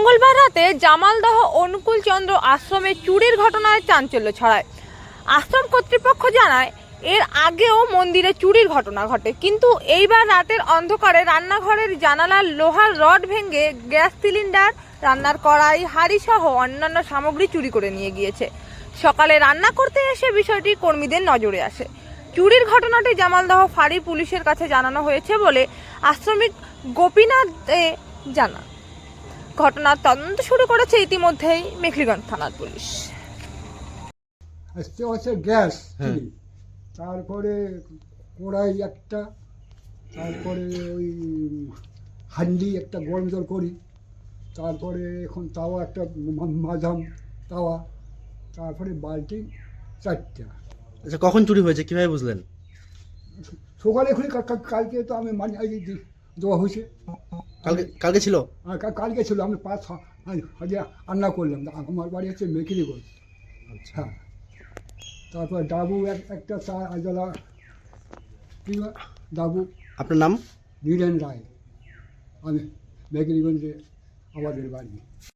মঙ্গলবার রাতে জামালদহ অনুকূল চন্দ্র আশ্রমে চুরির ঘটনায় চাঞ্চল্য ছড়ায়। আশ্রম কর্তৃপক্ষ জানায় এর আগেও মন্দিরে চুরির ঘটনা ঘটে, কিন্তু এইবার রাতের অন্ধকারে রান্নাঘরের জানালার লোহার রড ভেঙে গ্যাস সিলিন্ডার, রান্নার কড়াই, হাঁড়ি সহ অন্যান্য সামগ্রী চুরি করে নিয়ে গিয়েছে। সকালে রান্না করতে এসে বিষয়টি কর্মীদের নজরে আসে। চুরির ঘটনাটি জামালদহ ফাঁড়ি পুলিশের কাছে জানানো হয়েছে বলে আশ্রমিক গোপীনাথ দে জানান। ঘটনার তদন্ত শুরু করেছে ইতিমধ্যেই মেখলিগঞ্জ থানার পুলিশ। আসতে হচ্ছে গ্যাস, তারপরে কড়াই একটা, তারপরে ওই হান্ডি একটা গরম জল করি, তারপরে এখন তাওয়া একটা মাঝাম তাওয়া, তারপরে বালতি চারটা। আচ্ছা, কখন চুরি হয়েছে কিভাবে বুঝলেন? সকালে খুলি, কালকে তো আমি মানে দেওয়া হয়েছে। কালকে ছিল? কালকে ছিল, আমি 5,000 রান্না করলাম। আমার বাড়ি হচ্ছে মেখলিগঞ্জ। হ্যাঁ, তারপর ডাবু একটা চা আজলা ডাবু। আপনার নাম? নীরেন রায়। আমি মেখলিগঞ্জে আমাদের বাড়ি।